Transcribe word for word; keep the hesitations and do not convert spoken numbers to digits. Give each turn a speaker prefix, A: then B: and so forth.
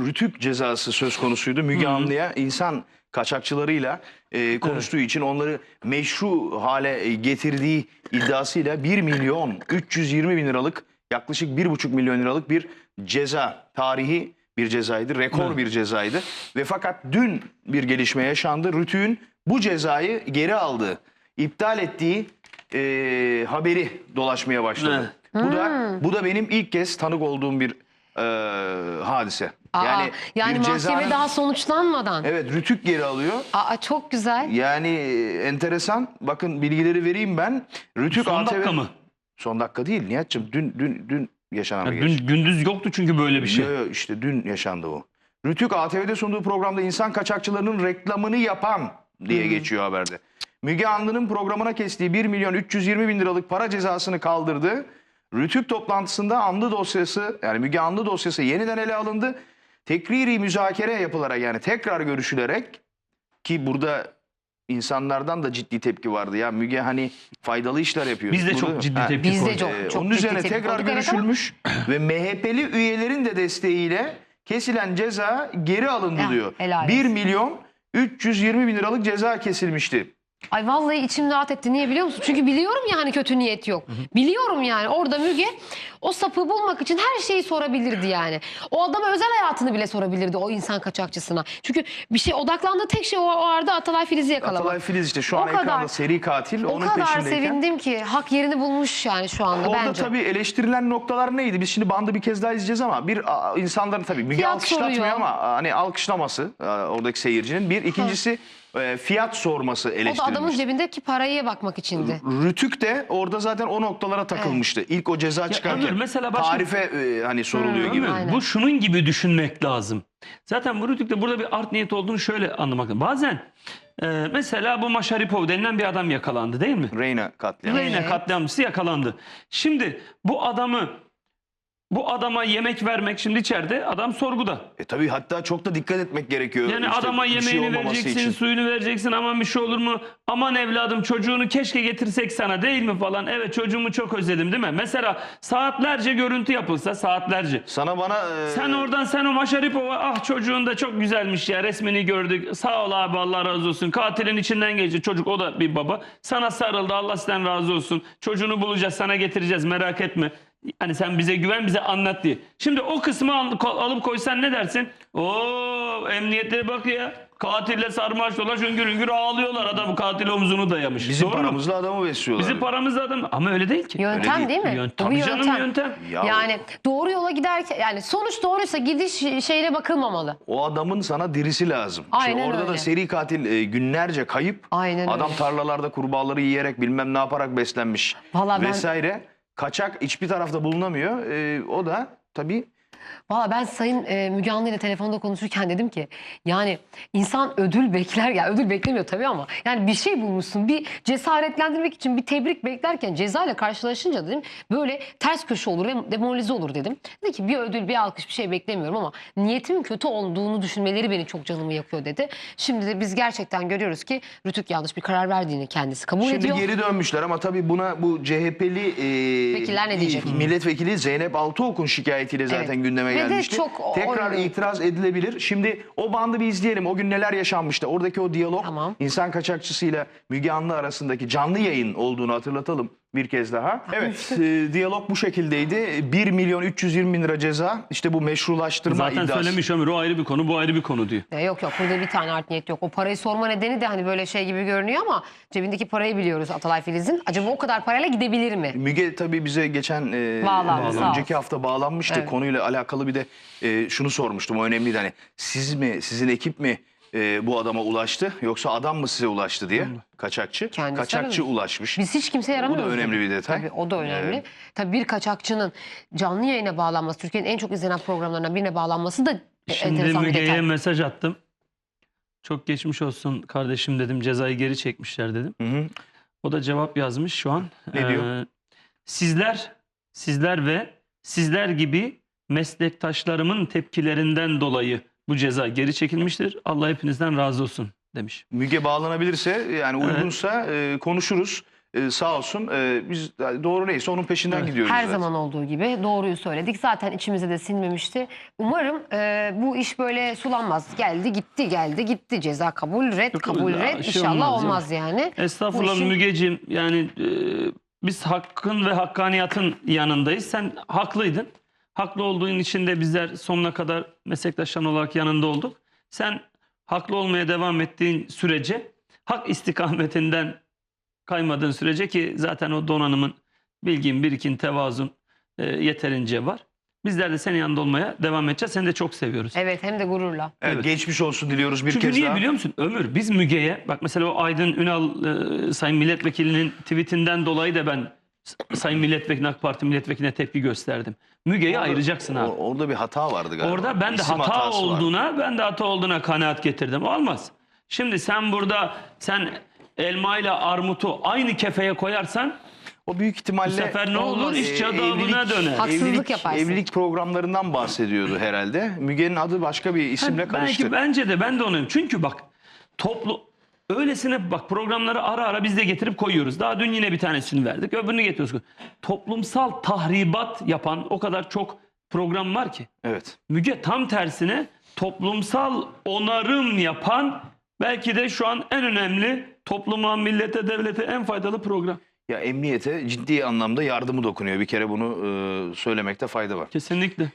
A: rütük cezası söz konusuydu. Müge Anlı'ya insan kaçakçılarıyla e, konuştuğu evet. için onları meşru hale getirdiği iddiasıyla bir milyon üç yüz yirmi bin liralık yaklaşık bir buçuk milyon liralık bir ceza, tarihi bir cezaydı, rekor evet. bir cezaydı. Ve fakat dün bir gelişme yaşandı. Rütük'ün bu cezayı geri aldığı, iptal ettiği e, haberi dolaşmaya başladı. Evet. Bu da bu da benim ilk kez tanık olduğum bir e, hadise.
B: Aa,
A: yani
B: yani mahkeme cezanın, daha sonuçlanmadan.
A: Evet, Rütük geri alıyor.
B: Aa, çok güzel.
A: Yani enteresan. Bakın bilgileri vereyim ben. Rütük
C: son
A: A T V...
C: dakika mı?
A: Son dakika değil Nihat'cığım. Dün dün dün yaşanan bir
C: dün, Gündüz yoktu çünkü böyle bir şey.
A: Yo, işte dün yaşandı bu. Rütük A T V'de sunduğu programda insan kaçakçılarının reklamını yapan diye hmm. geçiyor haberde. Müge Anlı'nın programına kestiği bir milyon üç yüz yirmi bin liralık para cezasını kaldırdı. Rütük toplantısında Anlı dosyası, yani Müge Anlı dosyası yeniden ele alındı. Tekriri müzakere yapılarak, yani tekrar görüşülerek, ki burada insanlardan da ciddi tepki vardı. Ya Müge hani faydalı işler yapıyor.
C: Biz de
A: burada
C: çok ciddi tepki
B: Biz
C: koyduk.
B: de çok,
A: Ee,
B: çok
A: onun
B: ciddi
A: üzerine
B: tepki
A: tekrar
B: koyduk,
A: görüşülmüş
B: evet,
A: ve M H P'li üyelerin de desteğiyle kesilen ceza geri alındı
B: ya,
A: diyor.
B: helal
A: bir
B: olsun.
A: milyon üç yüz yirmi bin liralık ceza kesilmişti.
B: Ay vallahi içim rahat etti. Niye biliyor musun? Çünkü biliyorum ya hani kötü niyet yok. Hı hı. Biliyorum yani orada Müge o sapı bulmak için her şeyi sorabilirdi yani. O adama özel hayatını bile sorabilirdi o insan kaçakçısına. Çünkü bir şey odaklandığı tek şey o, o arada Atalay Filiz'i yakalamak.
A: Atalay Filiz işte şu an o ekranda kadar, seri katil.
B: O
A: onun
B: kadar
A: peşindeyken.
B: sevindim ki hak yerini bulmuş yani şu anda
A: orada
B: bence.
A: Orada tabii eleştirilen noktalar neydi? Biz şimdi bandı bir kez daha izleyeceğiz ama bir insanların tabii Müge
B: Fiyat
A: alkışlatmıyor
B: soruyor.
A: ama hani alkışlaması oradaki seyircinin. Bir ikincisi Hı. fiyat sorması eleştirilmiş.
B: O da adamın cebindeki paraya bakmak içindi.
A: Rütük de orada zaten o noktalara takılmıştı. Evet. İlk o ceza çıkarken Ömür, mesela başka... tarife e, hani soruluyor hmm, gibi.
C: Ömür, bu şunun gibi düşünmek lazım. Zaten bu Rütük'te burada bir art niyet olduğunu şöyle anlamak lazım. Bazen e, mesela bu Maşaripov denilen bir adam yakalandı değil mi?
A: Reyna katliamı.
C: Reyna evet. katliamcısı yakalandı. Şimdi bu adamı Bu adama yemek vermek, şimdi içeride adam sorguda.
A: E tabii, hatta çok da dikkat etmek gerekiyor.
C: Yani
A: işte
C: adama yemeğini
A: şey
C: vereceksin,
A: için.
C: suyunu vereceksin, aman bir şey olur mu? Aman evladım çocuğunu keşke getirsek sana değil mi falan. Evet çocuğumu çok özledim değil mi? Mesela saatlerce görüntü yapılsa, saatlerce.
A: Sana bana... E...
C: Sen oradan sen o Maşaripov'a ah çocuğun da çok güzelmiş ya resmini gördük. Sağ ol abi Allah razı olsun. Katilin içinden geçti çocuk, o da bir baba. Sana sarıldı, Allah sizden razı olsun. Çocuğunu bulacağız, sana getireceğiz, merak etme. Hani sen bize güven, bize anlat diye. Şimdi o kısmı alıp koysan ne dersin? Oo emniyetlere bak ya. Katille sarmaş dolaş hüngür hüngür ağlıyorlar. Adam katil omzunu dayamış.
A: Bizim
C: Doğru
A: paramızla
C: mu?
A: adamı besliyorlar.
C: Bizim paramızla adam. Ama öyle değil ki.
B: Yöntem
A: öyle
B: değil, değil mi?
C: Yöntem. Tabii canım yöntem. yöntem.
A: Ya
B: yani doğru yola giderken, yani sonuç doğruysa gidiş şeyine bakılmamalı.
A: O adamın sana dirisi lazım.
B: Aynen
A: Şimdi orada
B: öyle.
A: da seri katil e, günlerce kayıp.
B: Aynen
A: Adam
B: öyle.
A: tarlalarda kurbağaları yiyerek bilmem ne yaparak beslenmiş.
B: Vallahi
A: vesaire.
B: Ben...
A: Kaçak hiçbir tarafta bulunamıyor. E, o da tabii...
B: Valla ben Sayın e, Müge Anlı ile telefonda konuşurken dedim ki yani insan ödül bekler ya, ödül beklemiyor tabii ama yani bir şey bulmuşsun, bir cesaretlendirmek için bir tebrik beklerken ceza ile karşılaşınca dedim böyle ters köşe olur ve demoralize olur dedim. Dedi ki bir ödül, bir alkış, bir şey beklemiyorum ama niyetimin kötü olduğunu düşünmeleri beni çok canımı yakıyor dedi. Şimdi de biz gerçekten görüyoruz ki Rütük yanlış bir karar verdiğini kendisi kabul
A: Şimdi
B: ediyor.
A: Şimdi geri dönmüşler ama tabii buna bu C H P'li e,
B: vekiller ne diyecek?
A: Milletvekili Zeynep Altıok'un şikayetiyle zaten evet. gündeme
B: Ve
A: gelmişti.
B: Çok
A: Tekrar
B: oyun.
A: itiraz edilebilir. Şimdi o bandı bir izleyelim. O gün neler yaşanmıştı? Oradaki o diyalog,
B: tamam.
A: insan kaçakçısıyla Müge Anlı arasındaki canlı yayın olduğunu hatırlatalım bir kez daha. Evet, e, diyalog bu şekildeydi. bir milyon üç yüz yirmi bin lira ceza. İşte bu meşrulaştırma
C: Zaten
A: iddiası.
C: Zaten söylemiş Ömür, o ayrı bir konu, bu ayrı bir konu diyor.
B: E, yok yok, burada bir tane art niyet yok. O parayı sorma nedeni de hani böyle şey gibi görünüyor ama cebindeki parayı biliyoruz Atalay Filiz'in. Acaba o kadar parayla gidebilir mi?
A: Müge tabii bize geçen e,
B: Bağlandı,
A: önceki hafta bağlanmıştı.
B: Evet.
A: Konuyla alakalı bir de e, şunu sormuştum. O önemliydi. Hani siz mi, sizin ekip mi e, bu adama ulaştı yoksa adam mı size ulaştı diye. Kaçakçı.
B: Kendisi
A: Kaçakçı
B: aramış.
A: ulaşmış.
B: Biz hiç kimseye yaramıyoruz.
A: Bu da önemli bir detay.
B: Tabii o da önemli.
A: Ee,
B: Tabii bir kaçakçının canlı yayına bağlanması, Türkiye'nin en çok izlenen programlarından birine bağlanması da
C: Şimdi
B: enteresan bir detay.
C: Müge'ye mesaj attım. Çok geçmiş olsun kardeşim dedim. Cezayı geri çekmişler dedim.
A: Hı hı.
C: O da cevap yazmış şu an.
A: Ne
C: ee,
A: diyor?
C: Sizler, sizler ve sizler gibi meslektaşlarımın tepkilerinden dolayı bu ceza geri çekilmiştir. Allah hepinizden razı olsun demiş.
A: Müge bağlanabilirse, yani uygunsa evet. e, konuşuruz. e, sağ olsun. E, biz doğru neyse onun peşinden
C: Evet.
A: gidiyoruz.
B: Her
A: zaten.
B: zaman olduğu gibi doğruyu söyledik. Zaten içimize de sinmemişti. Umarım e, bu iş böyle sulanmaz. Geldi gitti geldi gitti. Ceza kabul red
C: Yok,
B: kabul
C: ya,
B: red.
C: şey
B: İnşallah
C: olmaz
B: olmaz,
C: ya.
B: yani.
C: Estağfurullah
B: Bu işin-
C: Mügeciğim, yani e, biz hakkın ve hakkaniyatın yanındayız. Sen haklıydın. Haklı olduğun için de bizler sonuna kadar meslektaşların olarak yanında olduk. Sen haklı olmaya devam ettiğin sürece, hak istikametinden kaymadığın sürece, ki zaten o donanımın, bilgin, birikin, tevazun e, yeterince var. Bizler de senin yanında olmaya devam edeceğiz. Seni de çok seviyoruz.
B: Evet, hem de gururla.
A: Evet,
C: Evet.
A: geçmiş olsun diliyoruz bir
C: Çünkü
A: kez
C: niye
A: daha.
C: biliyor musun Ömür? Biz Müge'ye, bak mesela o Aydın Ünal e, Sayın Milletvekilinin tweetinden dolayı da ben S- Sayın Milletvekili, AK Parti Milletvekiline tepki gösterdim. Müge'yi ayıracaksın abi.
A: O- Orada bir hata vardı galiba.
C: Orada ben de
A: İsim
C: hata
A: hatası vardı.
C: olduğuna, ben de hata olduğuna kanaat getirdim. Olmaz. Şimdi sen burada sen elma ile armutu aynı kefeye koyarsan
A: O büyük ihtimalle
C: bu sefer ne olur?
A: e,
C: İş cadalına
A: evlilik-
C: döner.
B: Haksızlık
A: evlilik,
B: yaparsın.
A: Evlilik programlarından bahsediyordu herhalde. Müge'nin adı başka bir isimle
C: Ha,
A: karıştı.
C: Belki bence de ben de onu. Çünkü bak toplu öylesine bak programları ara ara biz de getirip koyuyoruz. Daha dün yine bir tanesini verdik. Öbürünü getiriyoruz. Toplumsal tahribat yapan o kadar çok program var ki.
A: Evet.
C: Müge tam tersine toplumsal onarım yapan, belki de şu an en önemli, topluma, millete, devlete en faydalı program.
A: Ya emniyete ciddi anlamda yardımı dokunuyor. Bir kere bunu e, söylemekte fayda var.
C: Kesinlikle.